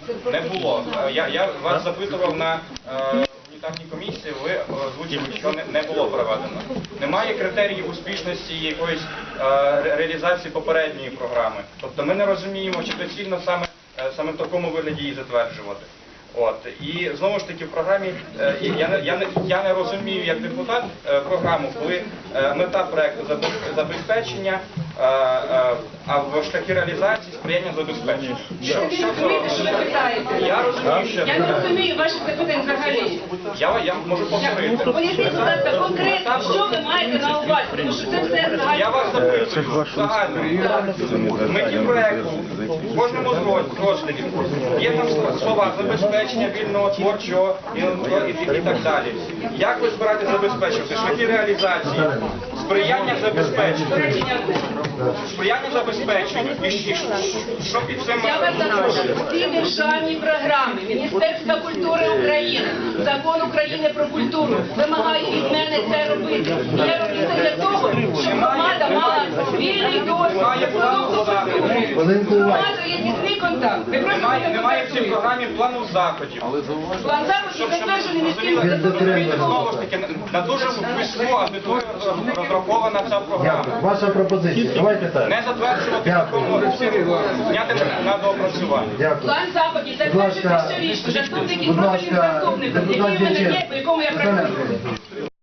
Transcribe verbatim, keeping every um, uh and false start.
Не було. Я, я вас запитував на е, унітарній комісії, ви озвучили, що не, не було проведено. Немає критеріїв успішності якоїсь е, ре- реалізації попередньої програми. Тобто ми не розуміємо, чи доцільно саме, е, саме в такому вигляді її затверджувати. От. І знову ж таки в програмі, е, я, не, я, не, я не розумію як депутат е, програму, коли е, мета проекту забез- забезпечення, е, е, а в шляхи реалізації сприяння забезпечення. Що, Ви що не це розумієте, що робить? ви питаєте? Я розумію, що Я не розумію ваших запитань взагалі. я, я можу повторити. Поясніть, будь ласка, конкретно, що ви маєте на увазі, тому що це все загально. Я вас запитую, загально. В меті проекту, в кожному з роз- розділів є там слова забезпечення вільного творчого і, і, і так далі. Як ви збираєте забезпечувати? Шляхи реалізації, сприяння забезпеченню, сприяння забезпеченню. І, і що під цим Я вас запрошую. Всі державні програми Міністерства культури України, Закон України про культуру вимагає від мене це робити. Я роблю це для того, щоб громада мала вільний доступ до продукту культури. Громада є тісний контакт. Ви просто Немає, немає в цій контактуєте. програмі плану заходів. План заходів затверджений міським Розумієте, знову головою. ж таки, на дуже вузьку аудиторію розрахована ця програма. Ваша пропозиція. Давайте так. Не затверджувати такому зняти на доопрацювання. Дякую. План заходів Будь ласка, затверджується щорічно. Заступники і будь профільних ласка, заступників, депутат який в мене є, Дяченко. по якому я Оксана працюю. Анатоліївна.